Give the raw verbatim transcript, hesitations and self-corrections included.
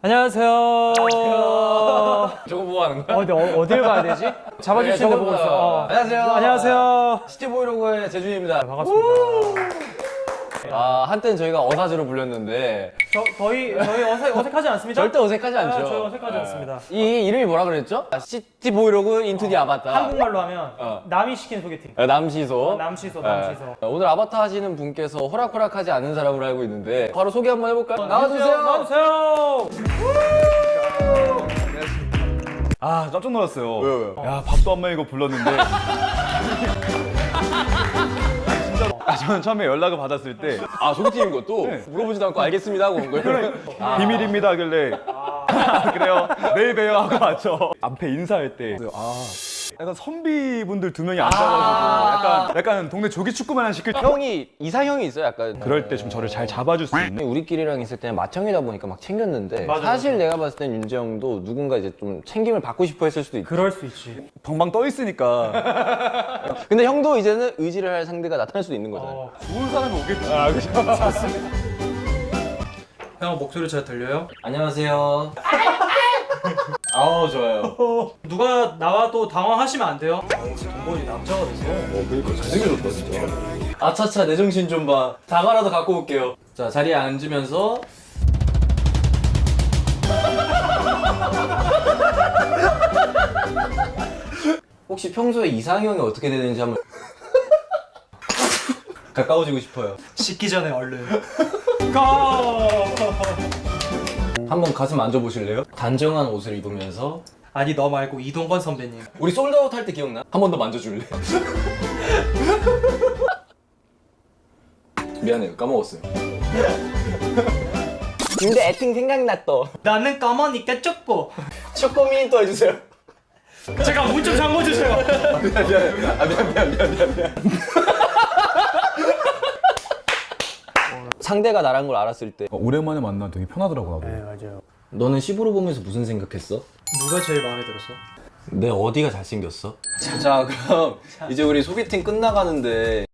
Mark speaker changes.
Speaker 1: 안녕하세요.
Speaker 2: 저거 뭐 하는 거야?
Speaker 1: 어, 근데 어, 어딜 가야 되지? 잡아주시는 거 보고 있어. 어.
Speaker 2: 안녕하세요.
Speaker 1: 안녕하세요.
Speaker 2: 시티 브이로그의 재준입니다.
Speaker 1: 반갑습니다.
Speaker 2: 아, 한때는 저희가 어사즈로 불렸는데
Speaker 1: 저, 저희, 저희 어색, 어색하지 않습니다?
Speaker 2: 절대 어색하지 않죠.
Speaker 1: 아, 저희 어색하지
Speaker 2: 네.
Speaker 1: 않습니다.
Speaker 2: 이 이름이 뭐라 그랬죠? 아, 시티 브이로그 인투 디 아바타.
Speaker 1: 한국말로 하면
Speaker 2: 어.
Speaker 1: 남이 시킨 소개팅.
Speaker 2: 아, 남시소.
Speaker 1: 어, 남시소, 남시소.
Speaker 2: 네. 오늘 아바타 하시는 분께서 호락호락하지 않은 사람으로 알고 있는데 바로 소개 한번 해볼까요? 나와주세요.
Speaker 1: 나와주세요.
Speaker 3: 아 깜짝 놀랐어요.
Speaker 2: 왜요, 왜요?
Speaker 3: 야 밥도 안 먹이고 불렀는데. 진짜로. 아, 저는 처음에 연락을 받았을 때
Speaker 2: 아, 소개팅인 것도
Speaker 3: 네.
Speaker 2: 물어보지도 않고 알겠습니다 하고 온 거예요. 아.
Speaker 3: 비밀입니다 하길래 아, 그래요 내일 봬요 하고 왔죠. 앞에 인사할 때 아 약간 선비분들 두 명이 앉아가지고 약간 약간 동네 조기 축구만 시킬 때
Speaker 2: 형이 이상형이 있어요, 약간.
Speaker 3: 그럴 때 좀 저를 잘 잡아줄 수 있는.
Speaker 2: 우리끼리랑 있을 때는 맏형이다 보니까 막 챙겼는데
Speaker 1: 맞아,
Speaker 2: 사실
Speaker 1: 맞아.
Speaker 2: 내가 봤을 땐 윤재 형도 누군가 이제 좀 챙김을 받고 싶어 했을 수도 있고.
Speaker 1: 그럴 수 있지.
Speaker 3: 방방 떠 있으니까
Speaker 2: 근데 형도 이제는 의지를 할 상대가 나타날 수도 있는 거잖아요.
Speaker 1: 어,
Speaker 3: 좋은 사람이 오겠지.
Speaker 2: 아, 그죠.
Speaker 1: 형 목소리 잘 들려요?
Speaker 2: 안녕하세요. 아우, 좋아요.
Speaker 1: 누가 나와도 당황하시면 안 돼요. 동건이 남자가 됐어.
Speaker 2: 어, 그러니까 잘생겨졌다, 진짜. 아차차, 내 정신 좀 봐. 다가라도 갖고 올게요. 자, 자리에 앉으면서. 혹시 평소에 이상형이 어떻게 되는지 한번. 가까워지고 싶어요.
Speaker 1: 씻기 전에 얼른. 고!
Speaker 2: 한번 가슴 만져보실래요? 단정한 옷을 입으면서.
Speaker 1: 아니 너 말고 이동건 선배님.
Speaker 2: 우리 솔드아웃 할 때 기억나? 한 번 더 만져줄래? 미안해요, 까먹었어요. 근데 애팅 생각났어.
Speaker 1: 나는 까마니까 쪽보.
Speaker 2: 초코미 또 해주세요.
Speaker 1: 제가 문 좀 잠궈주세요.
Speaker 2: 미안, 미안, 아, 미안, 미안, 미안, 미안, 미안. 상대가 나란 걸 알았을 때
Speaker 3: 오랜만에 만나 되게 편하더라고 나도.
Speaker 1: 네 맞아요.
Speaker 2: 너는 십으로 보면서 무슨 생각했어?
Speaker 1: 누가 제일 마음에 들었어?
Speaker 2: 내 어디가 잘생겼어? 자, 그럼 이제 우리 소개팅 끝나가는데